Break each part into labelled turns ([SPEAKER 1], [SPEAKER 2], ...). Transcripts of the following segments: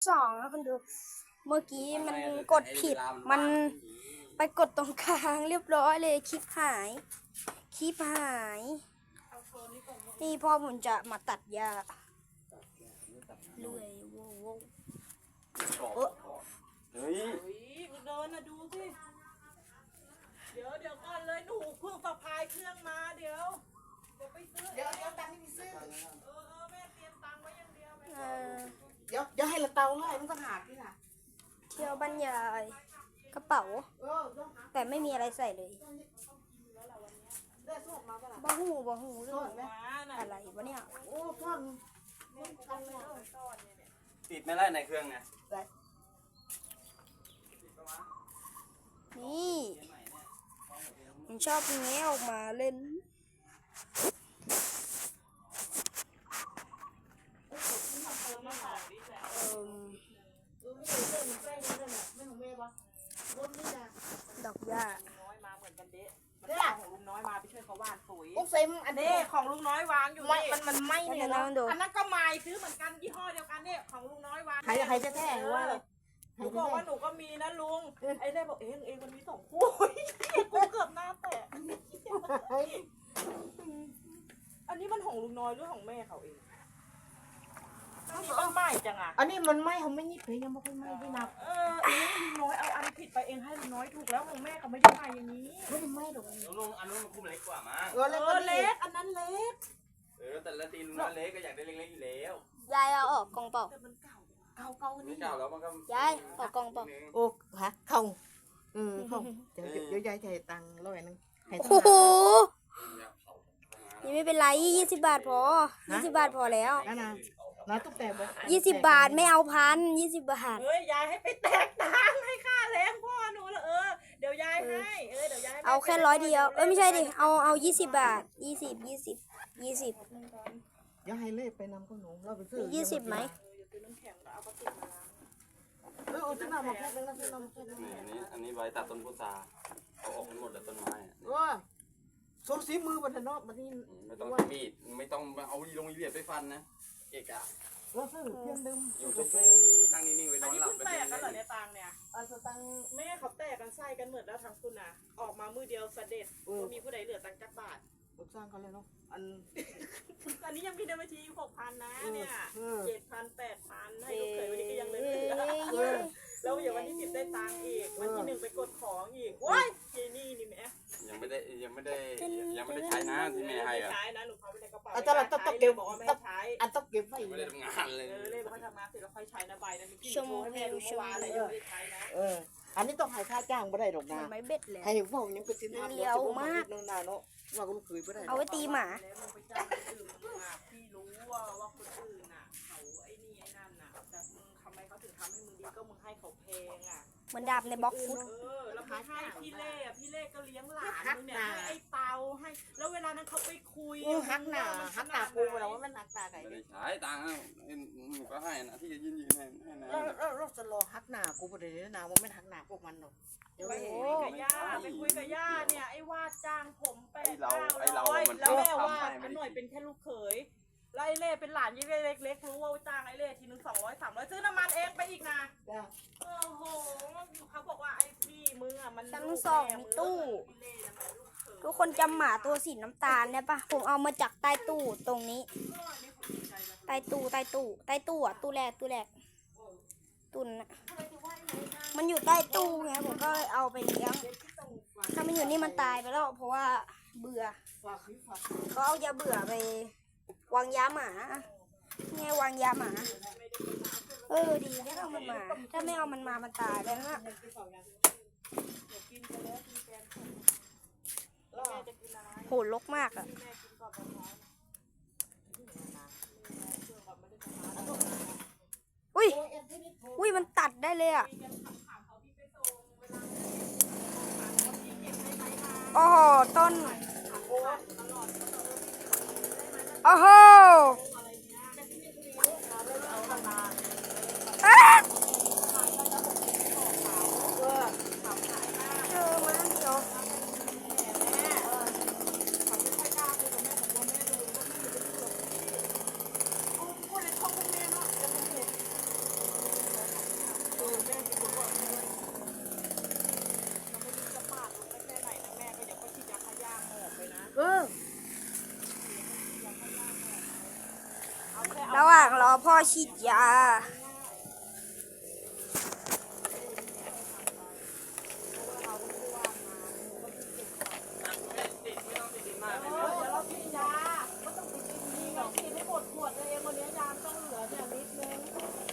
[SPEAKER 1] 2แล้วคุณดูเมื่อกี้มันกดผิดมันไปกดตรงกลางเรียบร้อยเลยคลิปหายนี่พ่อผมจะมาตัดหญ้าเลื่อยโว้
[SPEAKER 2] เฮ้ย
[SPEAKER 3] เดินนะดูสิเดี๋ยวก่อนเลยหนูเพิ่งสะพายเครื่องมาเดี๋ยวไปซื้อเดี๋ยวตังค์ไม่ซื้อแม่เตรียมตังค์ไว้อย่างเดียวแม่
[SPEAKER 4] เดี๋ยวให้ละเตาเลยมันต้องหาที่น่ะ
[SPEAKER 1] เที่ยวบรรยายกระเป๋าแต่ไม่มีอะไรใส่เลยบ้าหูเรื่องอะไรวะเนี่ย
[SPEAKER 4] โอ้พ่อน
[SPEAKER 2] ติดไม่ไล่ในเครื่องเนี่ย
[SPEAKER 1] นี่ผมชอบแงะออกมาเล่นดอกหญ้า
[SPEAKER 3] น้อยมาเหมือนกันเด้มันของลุงน้อยมาไปช่วยเขาวานปุ๋ย
[SPEAKER 4] โอ้เซ็มอันนี้
[SPEAKER 3] ของลุงน้อยวางอยู่นี่
[SPEAKER 4] มันไม่เนี่ย
[SPEAKER 1] นะ
[SPEAKER 4] นะ
[SPEAKER 1] ดู
[SPEAKER 3] อันนั้นก็ไม้ซื้อเหมือนกันยี่ห้อเดียวกันเนี่ยของลุงน้อยวาง
[SPEAKER 4] ใครจะแท้หรือว่าอะไร
[SPEAKER 3] หนูบอกว่าหนูก็มีนะลุงไอ้เล่บอกเองมันมี2 คู่กูเกือบหน้าแตกอันนี้มันของลุงน้อยหรือของแม่เขาเองอันนี้มันใหม่จังอ่ะ
[SPEAKER 4] อันนี้มันไม่เขาไม่ยิบเลยยังไม่ค่อยไม่ได้นับ
[SPEAKER 3] ลุงน้อยเอาอันผิดไปเองให้ลุงน้อยถูกแล้วของแม่เขาไม่ได้ใหม่อย่างนี้
[SPEAKER 4] ไม่ได้ไม่หรอก
[SPEAKER 2] ลุงอันนู้นมันคุ้มเล็กกว่ามั้ง
[SPEAKER 4] เล็ก
[SPEAKER 3] เล็กอันนั้นเล็ก
[SPEAKER 2] แต่ละตีนลุงน้อยเล็กก็อยากได้เล็กๆอยู่แล้ว
[SPEAKER 1] ยายเอาออกกล่องเปล่า
[SPEAKER 3] แต่มันเก่า
[SPEAKER 2] ไม่เก่าแล้วมันก็
[SPEAKER 1] ยายออกกล่องเปล่า
[SPEAKER 4] โอ้ฮะเข้าเข้าเดี๋ยวยายจ่ายตังค์100นึงให้
[SPEAKER 1] โอ้โหนี่ไม่เป็นไร20 บาทพอ20 บาทพอแล้ว
[SPEAKER 4] นะตุ๊กแต่บอก
[SPEAKER 1] 20 บาทไม่เอา1,000 20 บาท
[SPEAKER 3] เฮ้ยยายให้ไปแตกตังค์ให้ค่าแรงพ่อหนูละเดี๋ยวยายให้เดี๋ยวยาย
[SPEAKER 1] เอาแค่100 เดียวไม่ใช่ดิเอา20 บาท20
[SPEAKER 4] เดี๋ยวให้เล่ไปนำขนมเราไปซื้อ
[SPEAKER 1] 20ไหม
[SPEAKER 3] ซื้อน้ำแข็งแล้วเอากระติกมาล้าง
[SPEAKER 4] ซื้อน้ำมาแค่นึงแล้วซื้อน้ำแค่นึง
[SPEAKER 2] อันนี้ใบตัดต้นพุทราเอาออกหมดแล้วต้นไม้
[SPEAKER 4] ว่าสูสีมือบันเนาะบันนี้
[SPEAKER 2] ไม่ต้องมีดไม่ต้องเอาลงเหยียบไปฟันนะเอกอะ
[SPEAKER 4] เราซื้อเพียงดึง
[SPEAKER 2] อยู่เฉยๆนั่งนิ่งๆไว้น
[SPEAKER 3] อั
[SPEAKER 2] อน น
[SPEAKER 3] นี้
[SPEAKER 2] หลับ
[SPEAKER 3] เพิ่งแตกกันเหรอเนี่ยตังเนี่ย
[SPEAKER 4] สตัง
[SPEAKER 3] แม่เขาแตกกันไส้กันเหมือนแล้วทั้งคุณน่ะออกมามือเดียวเสด็จก็มีผู้ใดเหลือตังค์จักบาท
[SPEAKER 4] สร้างเขาเลยเนาะ
[SPEAKER 3] อันนี้ยังมีในบัญชี6,000นะเนี่ย7,000 8,000ให้ลูกเขยวันนี้ก็ยังเหลือแล้วอย่างวันที่10ได้ตังค์อีกวันที่1ไปกดของอีกว้ายเจนี่นี่แม่
[SPEAKER 2] ยังไม่ได้ใช้นะที่แม่ให้อะ
[SPEAKER 3] ใช้นะหนูเขาไปในกระเป๋า
[SPEAKER 4] อาจารย์ต้องเก็บ
[SPEAKER 3] บอกว่าไม่ใช้
[SPEAKER 4] อันต้องเก็บไว้
[SPEAKER 2] ไม่ได้ทำงานเลย
[SPEAKER 3] เลยบอกว่าทำงานเสร็จแล้วค่อยใช้นะใบนั้นมีกี่โมให้แม่ดูเมื่อวานอะไรยังไม่ได้ใช้นะ
[SPEAKER 4] อันนี้ต้องให้ค่าจ้างไม่ได้หรอกนะ
[SPEAKER 1] ไม่เบ็ดเลย
[SPEAKER 4] ให้ว่ายังเป็นสินค้าเลี้ยวมากนานเนาะว่าก็ลูกเคยไม่ได้
[SPEAKER 1] เอาไว้ตีหมา
[SPEAKER 3] แล้วมึงไปจ้างคนอื่นมาพี่รู้ว่าคนอื่นน่ะเขาไอ้นี่ไอ้นั่นน่ะแต่มึงทำไมเขาถึงทำให้มึงดีก็มึงให้เขาแพงอ่ะ
[SPEAKER 1] เหมือนดาบในบล็อกฟุต
[SPEAKER 3] แล้วให้พี่เล่ก็เลี้ยงหลานมึงเนี่ยให้ไอ้เตาให้แล้วเวลานั้นเขาไปคุย
[SPEAKER 4] ฮักหนากูเราว่ามันฮักหนาไก่
[SPEAKER 2] ไม่ได้ใช้ตังค์หนูก็ให้นะที่จะยืนให้นะ
[SPEAKER 4] เราจะรอฮักหนากูประเดี๋ยวนาว่าไม่ฮักหนาพวกมันหรอก
[SPEAKER 3] ไปคุยกับย่าเนี่ยไอ้วาดจ้างผม800แล้ว
[SPEAKER 2] มัน
[SPEAKER 3] แม่
[SPEAKER 2] ชอบ
[SPEAKER 3] วา
[SPEAKER 2] ทำ
[SPEAKER 3] ด
[SPEAKER 2] ให้
[SPEAKER 3] อันหน่อยเป็นแค่ลูกเขยไล่เล่เป็นหลานยี่เล่เล็กๆรู้ว่าจ้างไอ้เล่ทีนึง200 300ซื้อน้ำมันเองไปอีกนะโอ้โหเขาบอกว่าไอ้พี่มึงอ่ะมัน
[SPEAKER 1] ชั้น2มีตู้ ทุกคนจำหมาตัวสีน้ำตาลได้ปะผมเอามาจากใต้ตู้ตรงนี้ใต้ตู้อ่ะตู้แรกตุนอะมันอยู่ใต้ตู้ไงผมก็เลยเอาไปเลี้ยงถ้ามันอยู่นี่มันตายไปแล้วเพราะว่าเบื่อเขาเอายาเบื่อไปวางยาหมาไงวางยาหมาดีไม่เอามันมาถ้าไม่เอามันมามันตายแล้วนะโหรกมากอ่ะอุ้ยมันตัดได้เลยอ่ะโอ้โหต้นโอ้โหพ่อฉีดยา
[SPEAKER 3] เดี๋ยวเรากินยาก็ต้องไปกินดีหรอกกินให้หมดขวดเลยเองวันนี้ยาต้องเหลือเนี่ยนิดนึง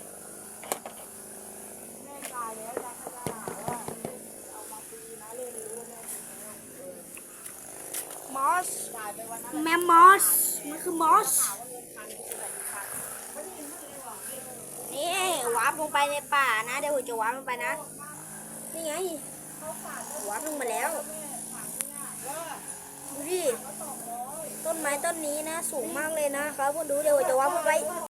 [SPEAKER 3] แม่ตายแล้วยาขยะว่าเอามาฟรีนะเลยรู้แม่
[SPEAKER 1] มอส
[SPEAKER 3] จ่ายไปวันนั้น
[SPEAKER 1] แม่มอส มันคือมอส
[SPEAKER 3] ถามว่าเงินพันคืออะไรพันไม่ได้ยินเลยหรอก
[SPEAKER 1] นี่วาร์ปลงไปในป่านะ เดี๋ยวผมจะวาร์ปลงไปนะ นี่ไงวาร์ปลงมาแล้ว ดูดิ ต้นไม้ต้นนี้นะ สูงมากเลยนะครับคุณดูเดี๋ยวผมจะวาร์ปลงไป